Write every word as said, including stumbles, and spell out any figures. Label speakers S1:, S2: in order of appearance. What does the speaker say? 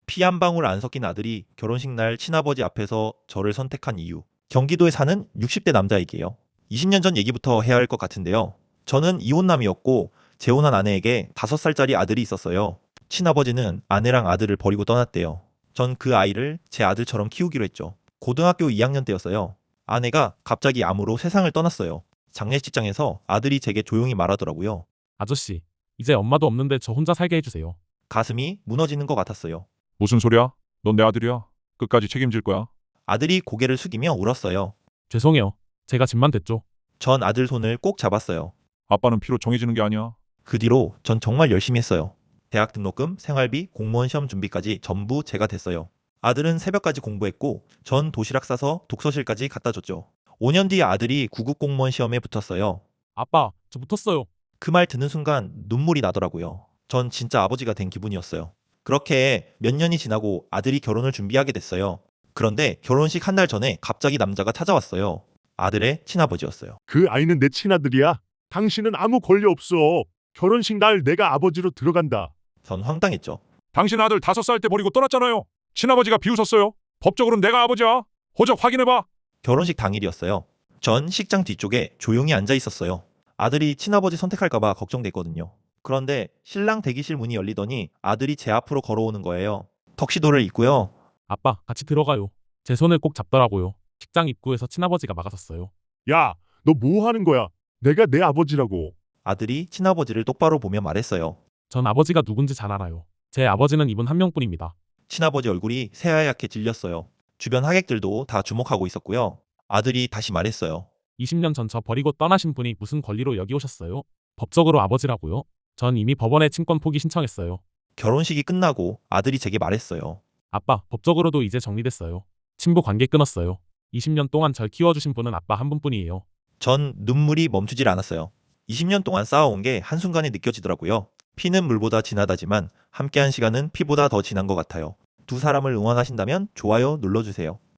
S1: 피 한 방울 안 섞인 아들이 결혼식 날 친아버지 앞에서 저를 선택한 이유. 경기도에 사는 육십 대 남자에게요. 이십 년 전 얘기부터 해야 할 것 같은데요. 저는 이혼남이었고 재혼한 아내에게 다섯 살짜리 아들이 있었어요. 친아버지는 아내랑 아들을 버리고 떠났대요. 전 그 아이를 제 아들처럼 키우기로 했죠. 고등학교 이 학년 때였어요. 아내가 갑자기 암으로 세상을 떠났어요. 장례식장에서 아들이 제게 조용히 말하더라고요.
S2: 아저씨, 이제 엄마도 없는데 저 혼자 살게 해주세요.
S1: 가슴이 무너지는 것 같았어요.
S3: 무슨 소리야? 넌 내 아들이야. 끝까지 책임질 거야.
S1: 아들이 고개를 숙이며 울었어요.
S2: 죄송해요. 제가 집만 됐죠.
S1: 전 아들 손을 꼭 잡았어요.
S3: 아빠는 피로 정해지는 게 아니야.
S1: 그 뒤로 전 정말 열심히 했어요. 대학 등록금, 생활비, 공무원 시험 준비까지 전부 제가 됐어요. 아들은 새벽까지 공부했고 전 도시락 싸서 독서실까지 갖다 줬죠. 오 년 뒤에 아들이 구급 공무원 시험에 붙었어요.
S2: 아빠, 저 붙었어요.
S1: 그 말 듣는 순간 눈물이 나더라고요. 전 진짜 아버지가 된 기분이었어요. 그렇게 몇 년이 지나고 아들이 결혼을 준비하게 됐어요. 그런데 결혼식 한 달 전에 갑자기 남자가 찾아왔어요. 아들의 친아버지였어요.
S4: 그 아이는 내 친아들이야. 당신은 아무 권리 없어. 결혼식 날 내가 아버지로 들어간다.
S1: 전 황당했죠.
S3: 당신 아들 다섯 살 때 버리고 떠났잖아요. 친아버지가 비웃었어요. 법적으로는 내가 아버지야. 호적 확인해봐.
S1: 결혼식 당일이었어요. 전 식장 뒤쪽에 조용히 앉아 있었어요. 아들이 친아버지 선택할까봐 걱정됐거든요. 그런데 신랑 대기실 문이 열리더니 아들이 제 앞으로 걸어오는 거예요. 턱시도를 입고요.
S2: 아빠, 같이 들어가요. 제 손을 꼭 잡더라고요. 식장 입구에서 친아버지가 막아섰어요.
S4: 야, 너 뭐 하는 거야? 내가 내 아버지라고.
S1: 아들이 친아버지를 똑바로 보며 말했어요.
S2: 전 아버지가 누군지 잘 알아요. 제 아버지는 이분 한 명뿐입니다.
S1: 친아버지 얼굴이 새하얗게 질렸어요. 주변 하객들도 다 주목하고 있었고요. 아들이 다시 말했어요.
S2: 이십 년 전 저 버리고 떠나신 분이 무슨 권리로 여기 오셨어요? 법적으로 아버지라고요? 전 이미 법원에 친권 포기 신청했어요.
S1: 결혼식이 끝나고 아들이 제게 말했어요.
S2: 아빠, 법적으로도 이제 정리됐어요. 친부 관계 끊었어요. 이십 년 동안 절 키워주신 분은 아빠 한 분뿐이에요.
S1: 전 눈물이 멈추질 않았어요. 이십 년 동안 쌓아온 게 한순간에 느껴지더라고요. 피는 물보다 진하다지만 함께한 시간은 피보다 더 진한 것 같아요. 두 사람을 응원하신다면 좋아요 눌러주세요.